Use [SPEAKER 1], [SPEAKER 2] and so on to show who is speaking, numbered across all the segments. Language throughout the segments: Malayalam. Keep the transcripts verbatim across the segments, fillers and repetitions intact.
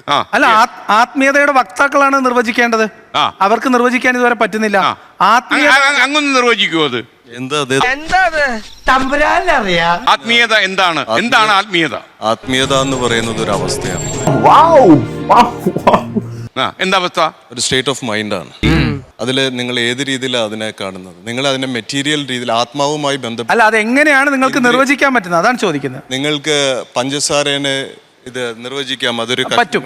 [SPEAKER 1] അല്ല, ആത്മീയതയുടെ വക്താക്കളാണ് നിർവചിക്കേണ്ടത്. അവർക്ക് നിർവചിക്കാൻ ഇതുവരെ പറ്റുന്നില്ല. ആത്മീയ
[SPEAKER 2] അങ്ങൊന്ന് നിർവചിക്കുമോ അത്? ആത്മീയത എന്താണ്? എന്താണ് ആത്മീയത?
[SPEAKER 3] ആത്മീയത എന്ന് പറയുന്നത് ഒരു അവസ്ഥയാണ്.
[SPEAKER 2] എന്താ അവസ്ഥ?
[SPEAKER 3] ഒരു സ്റ്റേറ്റ് ഓഫ് മൈൻഡാണ്. അതിൽ നിങ്ങൾ ഏത് രീതിയിലാണ് അതിനെ കാണുന്നത്? നിങ്ങൾ അതിനെ മെറ്റീരിയൽ രീതിയിൽ ആത്മാവുമായി ബന്ധപ്പെട്ട്
[SPEAKER 1] അല്ല, അതെങ്ങനെയാണ് നിങ്ങൾക്ക് നിർവചിക്കാൻ പറ്റുന്നത്? അതാണ് ചോദിക്കുന്നത്.
[SPEAKER 3] നിങ്ങൾക്ക് പഞ്ചസാരേനെ ഇത് നിർവചിക്കാം. അതൊരു
[SPEAKER 1] പറ്റും.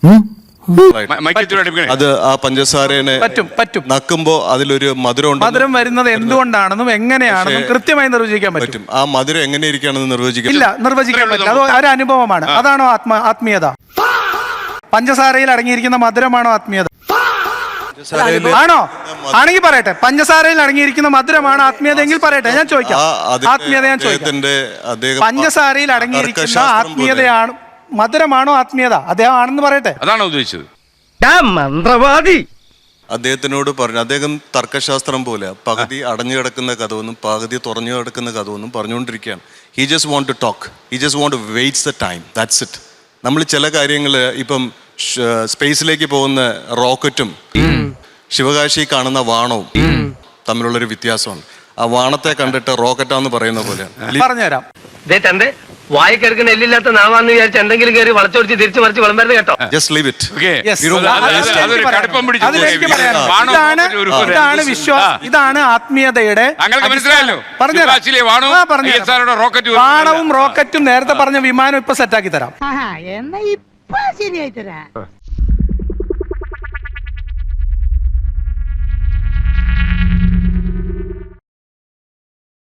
[SPEAKER 3] അത് ആ പഞ്ചസാരേനെ
[SPEAKER 1] പറ്റും പറ്റും
[SPEAKER 3] നക്കുമ്പോ അതിലൊരു മധുരം
[SPEAKER 1] മധുരം വരുന്നത് എന്തുകൊണ്ടാണെന്നും എങ്ങനെയാണെന്നും കൃത്യമായി നിർവചിക്കാൻ പറ്റും.
[SPEAKER 3] ആ മധുരം എങ്ങനെ ഇരിക്കുകയാണെന്ന് നിർവചിക്കാൻ
[SPEAKER 1] ഇല്ല, നിർവചിക്കാൻ പറ്റില്ല. അത് ഒരു അനുഭവമാണ്. അതാണോ ആത്മ ആത്മീയത? പഞ്ചസാരയിൽ അടങ്ങിയിരിക്കുന്ന മധുരമാണോ ആത്മീയത? ആണോ? ആണെങ്കിൽ പറയട്ടെ, പഞ്ചസാരയിൽ അടങ്ങിയിരിക്കുന്ന മധുരമാണ് ആത്മീയത എങ്കിൽ പറയട്ടെ, ഞാൻ ചോദിക്കാം. ആത്മീയത ഞാൻ ചോദിക്കാം. പഞ്ചസാരയിൽ അടങ്ങിയിരിക്കുന്ന ആത്മീയതയാണ് മധുരമാണോ ആത്മീയത? അദ്ദേഹം ആണെന്ന് പറയട്ടെ.
[SPEAKER 2] അതാണോ ഉദ്ദേശിച്ചത്?
[SPEAKER 4] മന്ത്രവാദി
[SPEAKER 3] അദ്ദേഹത്തിനോട് പറഞ്ഞു. അദ്ദേഹം തർക്കശാസ്ത്രം പോലെ പകുതി അടഞ്ഞു കിടക്കുന്ന കഥവെന്നും പകുതി തുറഞ്ഞു കിടക്കുന്ന കഥവെന്നും പറഞ്ഞുകൊണ്ടിരിക്കുകയാണ്. He just want to talk. He just want to waits the time. That's it. നമ്മൾ ചില കാര്യങ്ങൾ ഇപ്പം സ്പേസിലേക്ക് പോകുന്ന റോക്കറ്റും ശിവകാശി കാണുന്ന വാണവും തമ്മിലുള്ളൊരു വ്യത്യാസമാണ്. ആ വാണത്തെ കണ്ടിട്ട് റോക്കറ്റാന്ന് പറയുന്ന പോലെയാണ്.
[SPEAKER 1] പറഞ്ഞുതരാം.
[SPEAKER 4] വായിക്കെടുക്കുന്ന എല്ലില്ലാത്ത നാവാന്ന് വിചാരിച്ച് എന്തെങ്കിലും കയറി വളച്ചൊടിച്ച് തിരിച്ചു മറിച്ച് വിളമ്പരുത് കേട്ടോ.
[SPEAKER 3] Just leave it.
[SPEAKER 1] ഇതാണ് വിശ്വാസം, ഇതാണ് ആത്മീയതയുടെ. വാണവും റോക്കറ്റും നേരത്തെ പറഞ്ഞ വിമാനം ഇപ്പൊ സെറ്റാക്കി തരാം.